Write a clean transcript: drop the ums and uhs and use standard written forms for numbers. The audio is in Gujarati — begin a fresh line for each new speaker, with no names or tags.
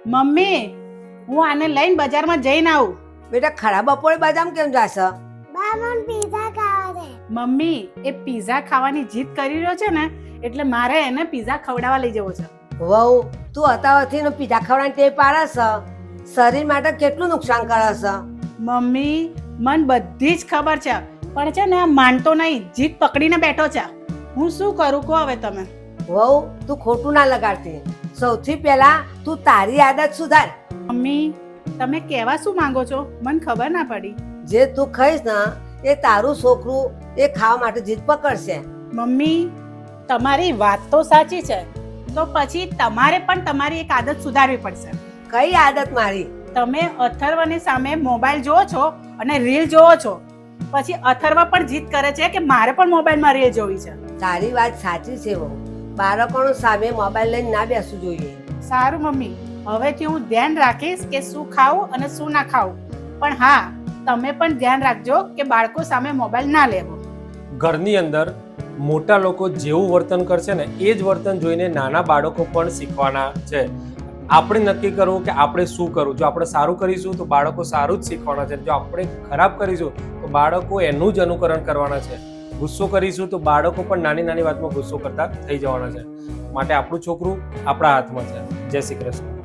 મમ્મી હું આને લઈને બજારમાં જઈને આવું.
બેટા ખરા બપોરે બદામ કેમ જાશ?
બા મને પીઝા ખાવા દે.
મમ્મી એ પિઝા ખાવાની જીદ કરી રહ્યો છે ને એટલે મારે એને પિઝા ખવડાવવા લઈ જવો છે.
વહુ તું અતાવથી પીઝા ખવડાવવાની ટેવ પાડસ, શરીર માટે કેટલું નુકસાન કરસ.
મમ્મી મને બધી જ ખબર છે પણ છે ને આ માનતો નહીં, જીદ પકડીને બેઠો છે. હું શું કરું કહો હવે તમે.
વહુ તું ખોટું ના લગાડતી. સૌથી પહેલા તું તારી આદત સુધાર.
મમ્મી તમે કહેવા શું માંગો છો મને ખબર ના પડી.
જે તું ખાઈશ ને એ તારું છોકરું એ ખાવા માટે જીદ પકડશે.
મમ્મી તમારી વાત તો સાચી છે, તો પછી તમારે પણ તમારી એક આદત સુધારવી પડશે.
કઈ આદત મારી?
તમે અથર્વની સામે મોબાઈલ જોવો છો અને રીલ જોવો છો, પછી અથર્વ પણ જીદ કરે છે કે મારે પણ મોબાઈલમાં રીલ જોવી છે.
તારી વાત સાચી છે વહુ, બાળકોનો સામે મોબાઈલ લઈને ના બેસવું જોઈએ.
સારું મમ્મી, હવેથી હું ધ્યાન રાખીશ કે શું ખાવું અને શું ના ખાવું. પણ હા, તમે પણ ધ્યાન રાખજો કે બાળકો સામે મોબાઈલ ના લેવો.
ઘરની અંદર મોટા લોકો જેવું વર્તન કરશે ને એ જ વર્તન જોઈને નાના બાળકો પણ શીખવાના છે. આપણે નક્કી કરવું કે આપણે શું કરવું. જો આપણે સારું કરીશું તો બાળકો સારું જ શીખવાના છે. જો આપણે ખરાબ કરીશું તો બાળકો એનું જ અનુકરણ કરવાના છે. ગુસ્સો કરીશું તો બાળકો પણ નાની નાની વાતમાં ગુસ્સો કરતા થઈ જવાના છે. માટે આપણું છોકરું આપણા હાથમાં છે. જય શ્રી કૃષ્ણ.